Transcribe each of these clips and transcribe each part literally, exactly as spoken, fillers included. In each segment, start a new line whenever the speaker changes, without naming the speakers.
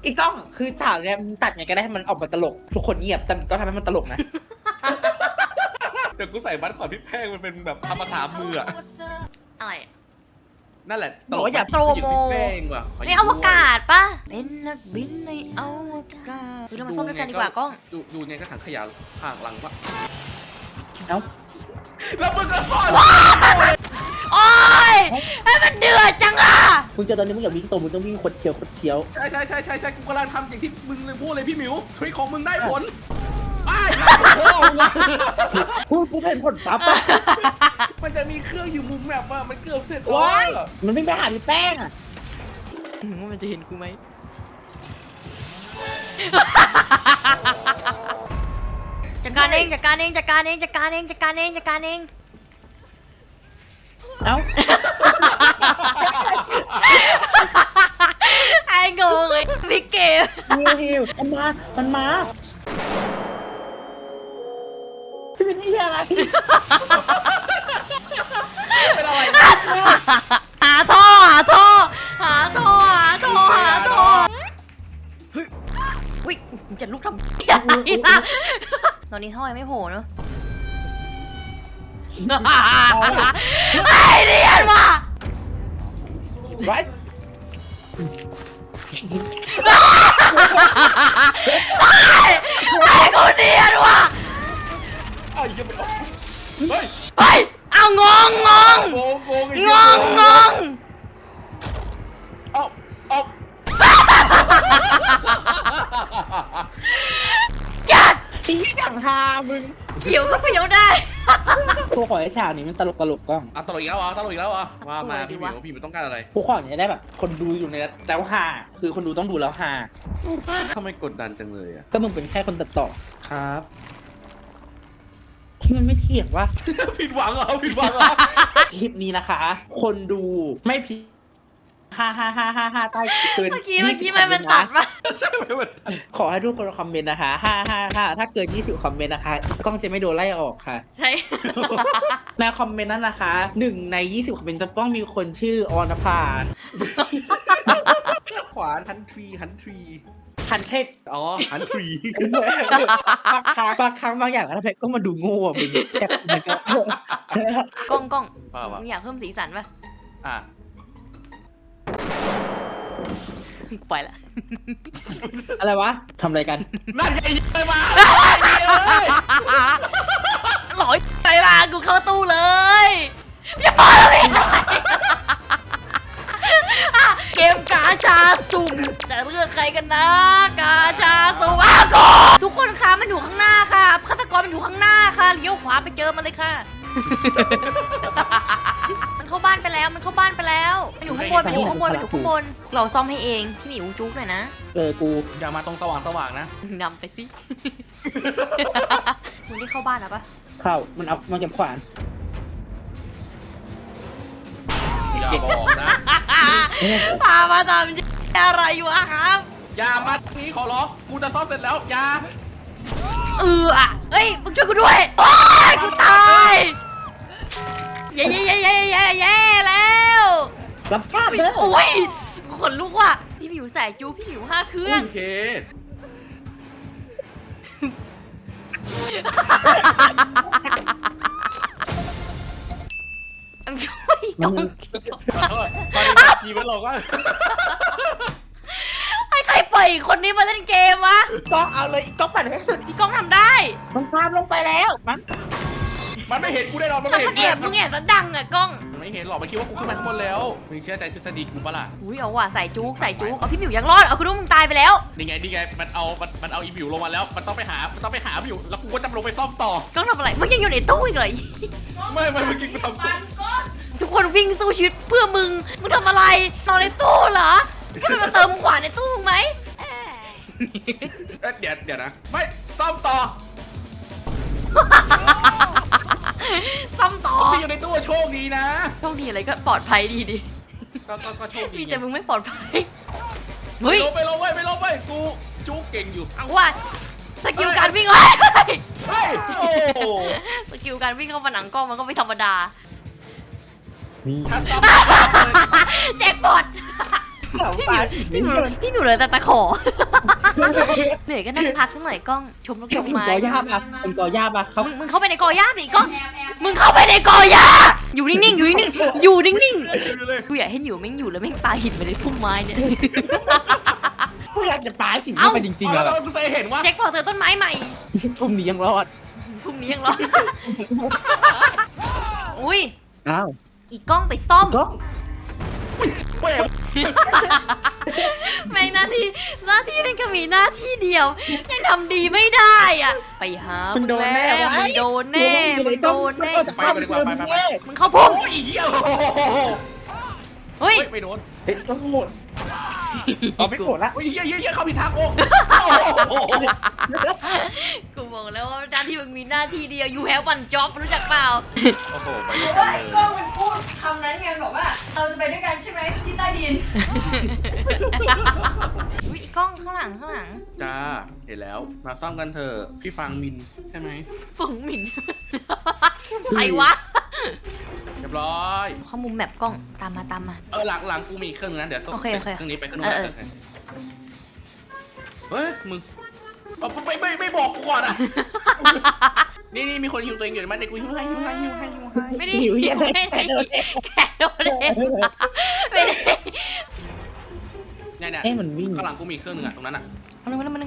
อีกกล้องคือฉากเนี้ยมันตัดไงก็ได้ให้มันออกมาตลก ทุกคนเงียบแต่ต้องทำให้มันตลกนะ
เดี๋ยวกูใส่บัตรขอพี่แพงมันเป็นแบบทำภาษามืออะ
อะไร
นั่นแหละ
บอกว่าอย่า
โปรโม
พี่แป้งว่ะข
ในอวกาศปะเป็นนักบินในอวกาศเรามาซ่อมด้วยกันดีกว่ากล้อง
ดูดูไงก็ถังขยะข้างหลังวะ
เอ้า
แล้วมึงก็ซ่อน
โอ้ยไอ้มันเดือดจังอ่ะ
มึงเจอตอนนี้มึงอย่าวิ่งตรงมึงต้องวิ่งคดเคี้ยวคดเคี้ยว
ใช่ใช่ใช่ใช่ใช่กูกำลังทำอย่างที่มึงเลยพูดเลยพี่หมิวทริคของมึงได้ผลไอ้โอ้โห
พูดกูเห็นผลปั๊บอะ
มันจะมีเครื่องอยู่มุมแบบว่ามันเกือบเสร็จ
ว้าย
แล้ว
มันวิ่งไปหาพี่แป้งอะ
ว่ามันจะเห็นกูไหมจัดการเองจัดการเองจัดการเองจัดการเองจัดการเองจัดการเอง
เอ้า
ไอ้งงเลยพี่เกม
ฮิวฮิวมันมา มันมา พี่เป็นนี่อะไร
เป็นอะไร
หาท่อหาท่อหาท่อหาท่อหาท่อเฮ้ยอุ๊ยจะลุกทำอะไรล่ะตอนนี้ท่อยังไม่โผล่เนอะไอ้เรียนว่ะ
ไร
ไอ้กูเรียนว่ะ
ไอ้ยังไม่ออกเฮ้ย
เฮ้ยเอางงงง
โกงโกง
งงงง
เอาเอา
จัด
ตีอย่างฮามึง
เขียวก็เขียวได้
พวกขอให้ฉากนี้มันตลกตลกกล้อง
อ่ะตลกอีกแล้วเหรอตลกอีกแล้วเหรอว่ามา
ตลกดี
พี่หมิ
วะ
วพี่หมิวต้องการอะไร
พวกขออย่างนี้ได้แบบ คนดูอยู่ในแล้วฮาคือคนดูต้องดูแล้วฮา
ทำไมกดดันจังเลยอ่ะ
ก็มึงเป็นแค่คนตัดต่อ
ครับ
มันไม่เถียงว่า
ผิดหวังเหรอผิดหวังเหรอ
คลิปนี้นะคะ คนดูไม่ผิดฮ่าฮ่าฮ่าฮ่าฮ่าใต้เกิน
เมื่อกี้เมื่อกี้มันมันตัดปะ
ใช่ไหมมัน
ขอให้ทุกคนคอมเมนต์นะคะฮ่าฮ่าฮ่าถ้าเกินยี่สิบคอมเมนต์นะคะกล้องจะไม่โดนไล่ออกค่ะ
ใช่
ในคอมเมนต์นั้นนะคะหนึ่งในยี่สิบคอมเมนต์จะต้องมีคนชื่อออนภา
ขวานฮันทรีฮันทรี
คันเทศ
อ๋อฮันทรี
บางครั้งบางครั้งบางอย่างแล้วเพชรก็มาดูโง่อะมึงแต่มันก็
กล้องกล้อง
ป่าวะ
มึงอยากเพิ่มสีสันปะ
อ่ะ
กูไปละ
อะไรวะทำอะไรกัน
นั่นไงไปมา
หลอยไปละกูเข้าตู้เลยอย่าพอแล้วพี่เกมกาชาสุ่มจะเลือกใครกันนะ กาชาสุ่มอ้าวกูทุกคนคะมันอยู่ข้างหน้าค่ะฆาตกรมันอยู่ข้างหน้าค่ะเลี้ยวขวาไปเจอมันเลยค่ะ มันเข้าบ้านไปแล้วมันเข้าบ้านไปแล้วมันอยู่ข้างบนมันอยู่ข้างบนมันอยู่ข้างบนเราซ่อมให้เองพี่หมิวจุ๊กหน่อยนะ
เออกู
อย่ามาตรงสว่างสว่างนะ
นำไปสิ มึงได้เข้าบ้านแล้วปะ
เข้ามันเอามันเก็บขวาน
อย่าบอกนะ
พามาทำอะไรอยู่อะครับ
อย่ามาตรงนี้ขอร้องกูจะซ่อมเสร็จแล้วอย่า
เอออะเอ้ยมึงช่วยกูด้วยโอ้ยกูตายเย้เย้เย้เย้เย้เย้แล้ว
รับทราบเด้อ
โอ้ยขนลุกว่ะพี่หมิวใส่จูพี่หมิวห้าเครื่อง
โอเค
ไม่ต้อง
ขอโทษตอนนี้จีมันหลอกว่า
ให้ใครปล่อยคนนี้มาเล่นเกมวะ
ก็เอาเลยก็ปั่นให้สุด
พี่ก้องทำได้
มันตามลงไปแล้วมัน
มันไม่เห็นกูได้หรอกมัน
แต่
ไม่เห็
มัน นแอบมึงแอบซะดังอะก้อง
มันไม่เห็นหรอกมันคิดว่ากูขึ้นมาข้างบนแล้วมึงเชื่อใจทฤษฎีกูปะล่ะ
อุ้ยเอาว่ะใส่จุกใส่จุกเอาพี่หมิวยังรอดเอาคุณนุ่มมึงตายไปแล้ว
นี่ไงนี่ไงมันเอามันมันเอาอีบิวลงมาแล้วมันต้องไปหามันต้องไปหาบิวแล้วกูก็จะลงไปซ่อมต่อ
ก้องทำอะไรมึงยังอยู่ในตู้อีกเหรอ
ไม่ไม่เมื่อกี้กูทำ
ทุกคนวิ่งสู้ชีวิตเพื่อมึงมึงทำอะไรนอนในตู้เหรอให้มันมาเติมขวานในตู้มึงไหม
เดี๋ยวเดี๋ยวนะไม่ซ่อมต่อ
ซ่อมต่อ
พี่อยู่ในตู้โชคดีนะ
โชคดีอะไรก็ปลอดภัยดีดิ
ก็ก็ก็โชคดี
มีแต่มึงไม่ปลอดภัย
ไม่
เฮ้ย
ลงไปลงไปไม่ลงไปกูจู๊เก่งอยู่
เอาว่าสกิลการวิ่งเลย
เฮ้ยโอ้
สกิลการวิ่งเข้ามาหนังกล้องมันก็ไม่ธรรมดา
นี่
ถ้าซ่อม
แจ็คพอต
เสาปลา
ที่หนูที่หนูเหลยแต่ตะขอ เหนื่อยก็นั่งพักสักหน่อยกล้องชมนกดอก
เป็น
ไม้
กอหญ้าปะเป็นกอหญ้าปะเขา
มึงมึงเข้าไปในกอหญ้าสิกล้องมึงเข้าไปในกอหญ้าอยู่นิ่งๆอยู่นิ่งๆอยู่นิ่งๆกูอยากให้หนิวแม่งอยู่แล้วแม่งปาหินไปในพุ่มไม้เนี่ย
กูอยากจะปลาหินเข้าไปจริงๆ
แล้
อะ
วคุณเฟยเห็นว่า
แจ็คพอเจอต้นไม้ใหม่
ทุ่มนี้ยังรอด
พรุ่งนี้ยังรอ อุ้ย
อ้าว
อีกกล้องไปซ่อม
ก็
เว้ย
แม่งหน้าที่หน้าที่เป็นแค่มีหน้าที่เดียวยังทำดีไม่ได้อ่ะ ไปหา
มึ
มึ
งโดนแน่
มึงโดนแน่มึงโดนแน่
ไปไปดีกว่าไปไปไป
มึงเข้าพุ่ม
โอ้ยเหี้ย
เฮ้ย
ไม่โดน
เฮ้ยต้องหมดเอาไม่โกรธละ
โอ้ยเหี้ยเหี้ยเหี้ยเข้าผิดทางโอ้
กูบอกแล้วว่าหน้าที่มึงมีหน้าที่เดียว you have one job รู้จักเปล่า
โอ้โหไปเลย
ว่าไอ้กล้องมันพูดคำนั้นไงบอกว่าเราจะไปด้วยกันใช่ไหมที่ใต้ดิน
อุ้ยอีกกล้องข้างหลังข้างหลัง
จ้าเห็นแล้วมาซ่อมกันเถอะพี่ฟังมินใช่ไหม
ฝุ่งหมิ่น ใครวะ
เรียบร้อย
เข้ามุมแมปกล้องตามมาตามมา
เออหลังหลังกูมีเครื่องนึงนะเดี๋ยวส่ง
โอเคโอเค
เครื่องนี้ไปเครื่องนู้น
เออเออ
เฮ้ยมึงเอาไม่ไม่ไม่บอกกูก่อนอ่ะ นี่นี่มีคนฮิวตัวเองอยู่ไหมเด็กกูฮิวให้ฮิวให้ฮิวให้ฮิวให้
ไม่ได้ไม่ได้แค่โดนเองไม่ได้
เนี่ยเนี่ย
เอ้มันวิ่ง
ข้างหลังกูมีเครื่องนึงอ่ะตรงนั้นอ่ะ
มาหนึ่งมาหนึ่งมาหนึ่ง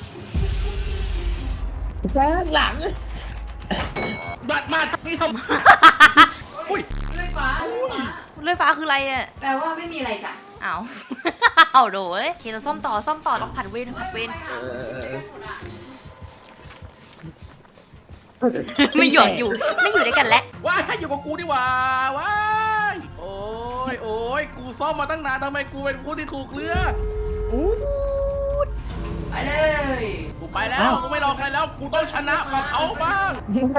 จ้าหลัง
บัดมาทางนี้ทำอุ้ย
ด้วยฟ้าด้วยฟ้า
เลื่อยฟ้าคืออะไรอ่ะ
แปลว่าไม่มีอะไรจ้ะ
อ้าว เอาโดยโอเคเราซ่อมต่อซ่อมต่อต้องผัดเวรผัดเวร
เออ
ไม่หยอดอยู่ไม่อยู่ด้วยกันแล้ว
ว้ายอยู่กับกูดีกว่าว้ายโอ้ยโอ้ยกูซ่อมมาตั้งนานทำไมกูเป็นผู้ที่ถูกเลือก
อู้
ไปเลย
กูไปแล้วกูไม่รอใครแล้วกูต้องชนะกับเขาบ้าง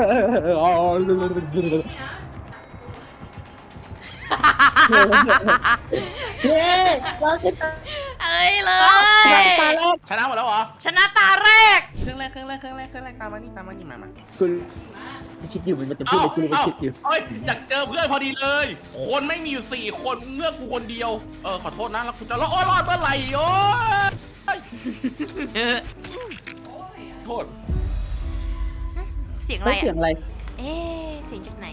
เย้เราชนะ
เอ้ยเล
ตาย
ย
ตาแรก
ชนะหมดแล้วเหรอ
ชนะตาแรก
เครื่องแรกเครื่องแรกเครื่องแรกเครื่องแรกตามมานี่ตามมานี่มามา
คุณคิดอยู่มันจะพูดอะไรคุณมันคิดอยู่
เอ้ยอยากเจอเพื่อนพอดีเลย คนไม่มีอยู่สี่คนเลือกกูคนเดียว เออขอโทษนะแล้วกูจะรอดรอดเมื่อไหร่โอ้ยโทษ
เสียงอะไร
เสียง
อ่ะ
อะไร
เอ๊ะเสียงจากไหน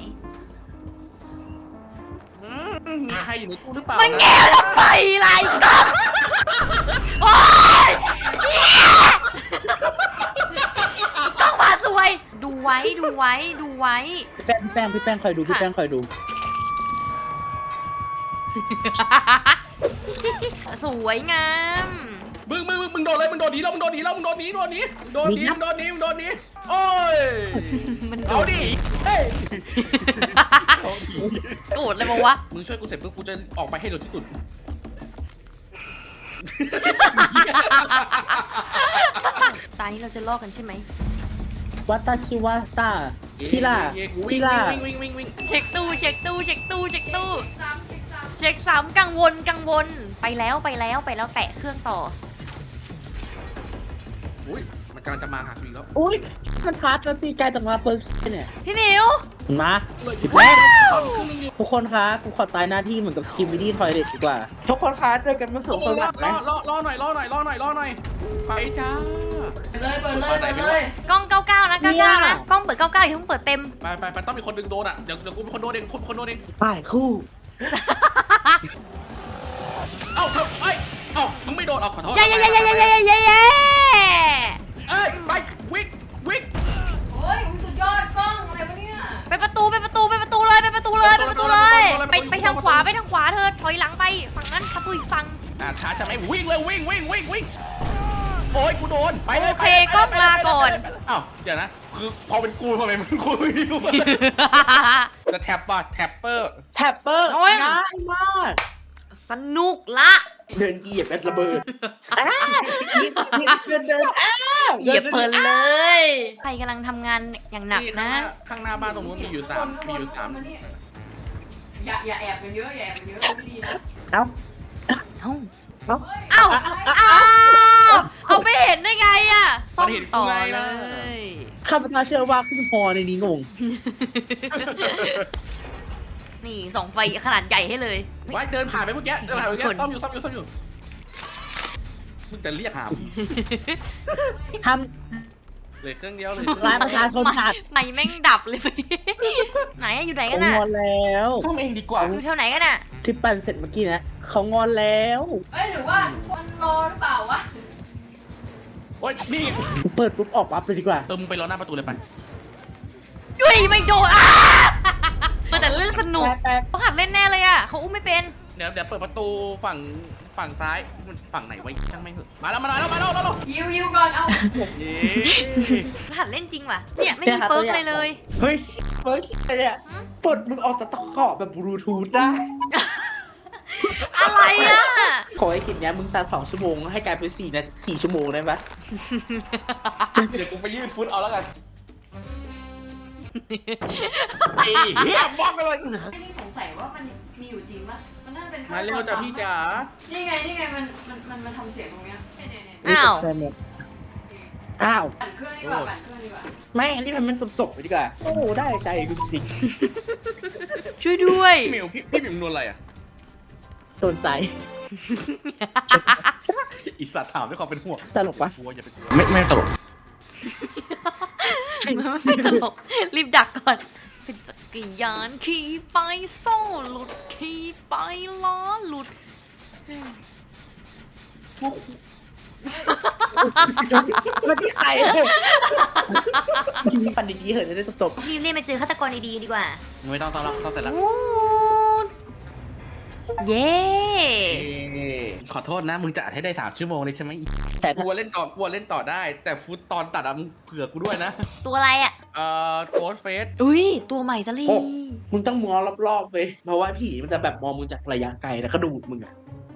อืมมีใครอยู่ในตู้หรือเปล่า
มัน
นะ
แง่ทำไมไรก็โอ๊ยต้องมาสวย ดูไว้ดูไว้ดูไว้
พี่แป้งพี่แป้งพี่แป้งคอยดูพี่แป้งคอยดู
สวยงาม
มึงมึงมึงมึงโดนเลยมึงโดนหนีแล้วมึงโดนหนีแล้วมึงโดนหนีโดนหนีโดนหนีมึงโดนหนีมึงโดนหนีโอ้ย
มันโด
เอา
ด
ดิเฮ้ย
โกรธเลยบอกวะ
มึงช่วยกูเสร็จปุ๊บกูจะออกไปให้เร็วที่สุด
ตานี้เราจะลอกกันใช่ไหม
วัตตาชิวาสตาคิล่า
เย้กู
คิ
วิ่ง
ล่า
วิ่งวิ่งวิ่งวิ่ง
เช็คตู้เช็คตู้เช็คตู้เช็คตู้เช็คสามกังวลกังวลไปแล้วไปแล้วไปแล้วแตะเครื่องต่อ
อุ้ยมันกำลังจะมาหากูอีกแล้ว
อุ้ยมันทัดแล้วตีกายจากมาเปิร์กเนี่ย
พี่หมิว
มาพี่
ว้า
แป้ง
ว
ทุกคนคะกูขอตายหน้าที่เหมือนกับกิมมิดี้ทอยเด็ดดีกว่า ทุกคนคะเจอกันมาสวงส
ร
วั
อ
สดิ์
รอ
นะ
รอรอหน่อยรอหน่อยรอหน่อยรอหน่อยไปจ้า
ไปเลยเปิดเลยเปิดเลย
กล้องเก้าเก้านะเก้าเก้านะกล้องเปิดเก้าเก้าอย่าเพิ่งเปิดเต็ม
ไปไปไปต้องมีคนดึงโดนอ่ะเดี๋ยวเดี๋ยวกูเป็นคนโดนเองคนคนโดนเอง
ป้ายคู่
เอ้าเธอเอ้ยเอ้ามึงไม่โดนเอาขอโทษ
เย้เย้เย้เย้เย้เย้เย้เย้
เอ้ยไปวิ่งวิ่ง
โอ้ยสุดยอดกล้องอะไรวะเนี่ย
ไปประตูไปประตูไปประตูเลยไปประตูเลยไปประตูเลยไปไปทางขวาไปทางขวาเธอถอยหลังไปฝั่งนั้นประตูอีกฝั่ง
อ่าช้าจะไม่วิ่งเลยวิ่งวิ่งวิ่งวิ่งโอ้ยกูโดนไปเลย
โอเคกล้องลาก่อน
อ้าวเดี๋ยวนะคือพอเป็นกูทำไมมึงกูไม่รู้จะแท็บป่ะแท็ปเปอร์
แท็ปเปอร์ง่ายมาก
สนุกละ
เดินเหยียบแอดระเบิดอ้าเดินเดินอ้า
เหยียบเพลินเลย ใครกำลังทำงานอย่างหนักนะ
ข้างหน้าบ้านตรงนู้นมีอยู่สามมีอยู่สาม
อย่าอย่าแอบกันเยอะอย่าแอบกันเยอะไม่ดีนะ
เอ้า
เอ้า
เอ้า
เอ้าเอ้าเอาไปเห็นได้ไงอะซ่อมต่อเลย
ข้าพเจ้าเชื่อว่าคุณพอในนี้งง
นี่ส่องไฟขนาดใหญ่ให้เลย
ไว้เดินผ่านไปเมื่อกี้เดินผ่านไปเมื่อ
ค
กี้
น
ซ่อมอยู่ซ่อมอยู่ซ่อมอยู่มึงจะเรียกหา
ท
เลยเครื่องเดียวเลย
ำร้ายประชาชนขาด
ไม่แม่งดับเลย ไหนอะอยู่ไหน
เขา
กันน่ะ
งอนแล้ว
ซ่อมเองดีกว่า
อยู่แถวไหนกันน่ะ
ที่ปั่นเสร็จเมื่อกี้นะเขางอนแล้ว
เอ้ยหรือว่าคนรอหรือเปล่าวะ
โอ๊ยนี่
เปิดปุ๊บออกปั๊บเลยดีกว่า
เติมมึงไปรอหน้าประตูเลยไป
ยุ้ยไม่โดนอ่ะแต่เล่นสนุก
แต่แต่
เขาหัดเล่นแน่เลยอ่ะเขาอุ้มไม่เป็น
เดี๋ยวเดี๋ยวเปิดประตูฝั่งฝั่งซ้ายมันฝั่งไหนวะช่างไม่งเหอะมาแล้วมาแล้วมาแล้วมาแล้ว
ยิวยิวก่อนเอา
เย้
หัดเล่นจริงว่ะเนี่ยไม่มีเปิร์กเลยเลย
เฮ้ยเฮ้ยอะไรเนี่ยปลดมึงออกจากตะขอบแบบบลูทูธได้
อะไรอ่ะ
ขอให้คลิปเนี้ยมึงตัดสองชั่วโมงให้กลายเป็นสี่นาทีสี่ชั่วโมงได้ไหม
เดี๋ยวกูไปยืดฟุตเอาแล้วกันไอ้เหี้ยบล็อกไปเลย
ไอ้นี่สงสัยว่ามันมีอยู่จริงปะมันน่าจะเป็น
มาเร็วจ้ะพี่จ๋า
นี่ไงนี่ไงมันมันมันมันทำเสียงตรงเนี้ยเนี่ยเนี่ยเนี่ย
อ้าว
ใช่หมดอ้าว
ปั่นเครื่องดีกว่าปั่นเครื่องดีกว่า
ไม่อันนี้มันมันจบๆไปดีกว่าโอ้โหได้ใจกูจริง
ช่วยด้วย
พี่หมิวพี่พี่หมิวนวลอะไรอ่ะ
ๆโดนใจ
อีสัตว์ถามด้วยความเป็นห่วง
ตลกปะ
กลัวอย่าไปกลัวไม่ไม่ตลก
ไม่ตลกรีบดักก่อน เป็นสักยานขี่ไปโซ่หลุดขี่ไปล้อหลุด
มาที่ใครยิงปันดีๆเหอะจะได้จบ
รีบเรียกไปเจอฆาตกรดีๆดีกว่า
ไม่ต้องซ่อมแล้วซ่อมเสร็จแล้ว
วูดเย้
ขอโทษนะมึงจะอัดให้ได้สามชั่วโมงเลยใช่ไหม
ๆแต่
ก
ถ้า
ลัวเล่นต่อกลัวเล่นต่อได้ แต่ฟุตตอนตัดอะมึงเผื่อกูด้วยนะ
ตัวอะไรอ่ะ
เอ่อโกดเฟส
อุ้ยตัวใหม่ซะลี
มึงต้องมองรอบๆไปเพราะว่าผีมันจะแบบมองมึงจากระยะไกลแล้วก็ดูดมึงอะ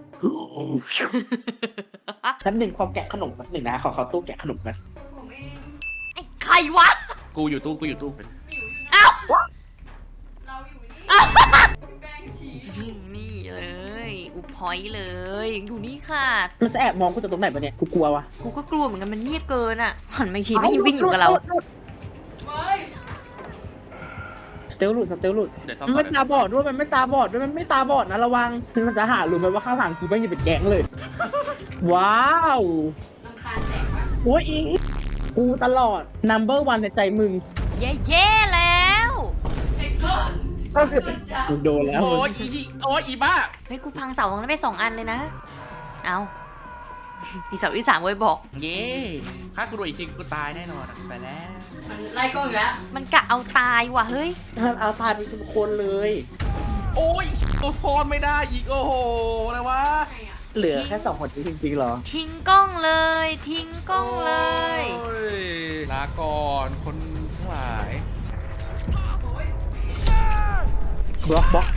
แป๊บหนึ่งความแกะขนมแป๊บหนึ่งนะขอเขาตู้แกะขนมกัน
ผมเอง
ไอ้ใครวะ
กูอยู่ตู้กูอยู่ตู้เป็น
ไม่อยู่อยู่นะ
อ้าว
เราอยู่นี่
อ้าว
แป้งชี้
นี่เลยอุพอยเลย อยู่นี่ค่ะ
มันจะแอบมองกูจากตรงไหนปะเนี่ยกูกลัววะ
กูก็กลัวเหมือนกันมันเงียบเกินอ่ะหันมาอีกทีไม่วิ่งอยู่กับเรา
เฮ้ย
สเตลหลุดสเตลหลุด
เดี๋ยวซ่อม
มัน
ก่อ
ไม่
น
ตาบอดด้วยมันไม่ตาบอดด้วยมันไม่ตาบอดนะระวังมันจะหารู้ไหมว่าข้างหลังกูไม่ยังเป็นแก๊งเลย ว้าว
ลำคาญแสงวะ
โอ้ยอิงกูตลอด number one ในใจมึง
เย่เย่แล้ว
ไอ้ก้อน
ก็คือ
จ้า
มึงโดนแล้ว
โอ้ยอีที่โอ้ยอีบ้า
เฮ้ยกูพังเสาตรงนั้นไปสองอันเลยนะ เอามีเสาที่สามไว้บอก
เย้ถ้ากูโดนอีกทีกูตายแน่นอนอะไปแล้ว
มันไล่กล้องอีกแล้ว
มันกะเอาตายว่ะเฮ้ย
ท่านเอาตายเป็นคนเลย
โอ้ยตัวโซนไม่ได้อีกโอ้โหอะไรวะ
ไงอ่ะ
เหลือแค่สองคนจริงๆเหรอ
ทิ้งกล้องเลย ทิ้งกล้องเลย
โอ้ยลาก่อนคนทั้งหลาย
โอ้ย
บล็อกบล็อก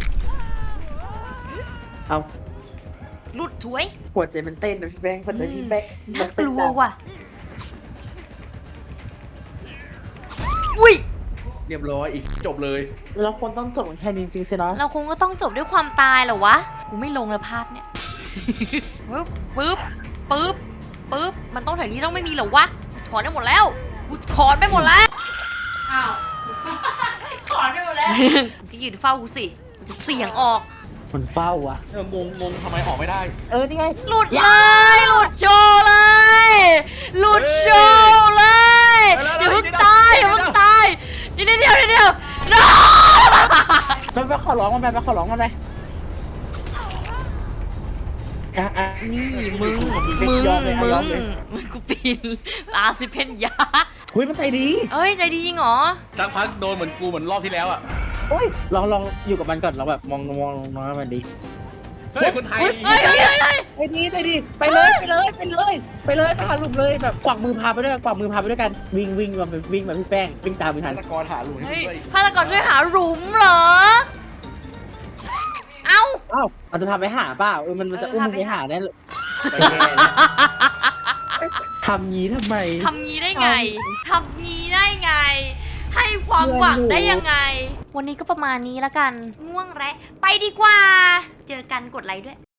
เอา
หลุดถวย
หัวใจมันเต้นนะพี่แป้งหัวใจพี่แป้ง
น่ากลัวว่ะ อุ้ย
เรียบร้อยอีกจบเลย
เราควรต้องจบกันแค่นี้จริงๆสินะ
เราคงก็ต้องจบด้วยความตายเหรอวะ กูไม่ลงแล้วภาพเนี่ย ปึ๊บ ปึ๊บ ปึ๊บ ปึ๊บ มันต้องแถวนี้ต้องไม่มีเหรอวะ ถอนได้หมดแล้ว กูถอนไปหมดแล้ว
อ้าวถอนไปหมดแล้ว
มึงก็ยืนเฝ้ากูสิกูจะเสี่ยงออก
มันเฝ้าวะ
เอองงงงทำไมออกไม่ได้
เออนี่ไง
หลุดเลย หลุดโชว์เลย หลุดโชว์เลย
เฮ้ย
อย่าเพิ่ง
เดี๋ยว
ตาย
เดี๋
อย่า
ยว
เพิ่งตายเดี๋ยวเดี๋ยวเดี๋ยวเดี๋ยว no
มันไปขอร้องมันไปไปขอร้องมันไปอ่ะอ่ะ
นี่มึง มึง
ยอมเลยอ่ะ
มึ
ยอม
ง
เลย
มึงกูปีนอาซิเพนยา
เฮ้ยมันใจดี
เอ้ย ใจดีจริงเหรอ
สักพักโดนเหมือนกูเหมือนรอบที่แล้วอ่ะ
โอ้ยลองลองอยู่กับมันก่อนเราแบบมองมองมองมันดี
เฮ้ยคนไทย
เฮ้ยเฮ้ยเฮ้ยเฮ้ย
ใจดีใจดีไปเลยไปเลยไปเลยไปเลยไปหาลุมเลยแบบกวักมือพาไปด้วยกวักมือพาไปด้วยกันวิ่งวิ่งแบบวิ่งแบบพี่แป้งวิ่งตามไปทั
ฆาน ตกรหาหลุมให้
เฮ้ย
ด้วย
ฆาตกรช่วยหาหลุมเหรอ เอ้า
อ้าวมันจะพาไปหาเปล่าเออมันมันจะ
เออ
อุ้ม
พา
มึง
ไป
ไปหาแน่เลยทำงี้ทำไม
ทำงี้ได้ไง ทำงี้ได้ไง ให้ความหวังได้ยังไง วันนี้ก็ประมาณนี้แล้วกัน ง่วงและ ไปดีกว่า เจอกันกดไลค์ด้วย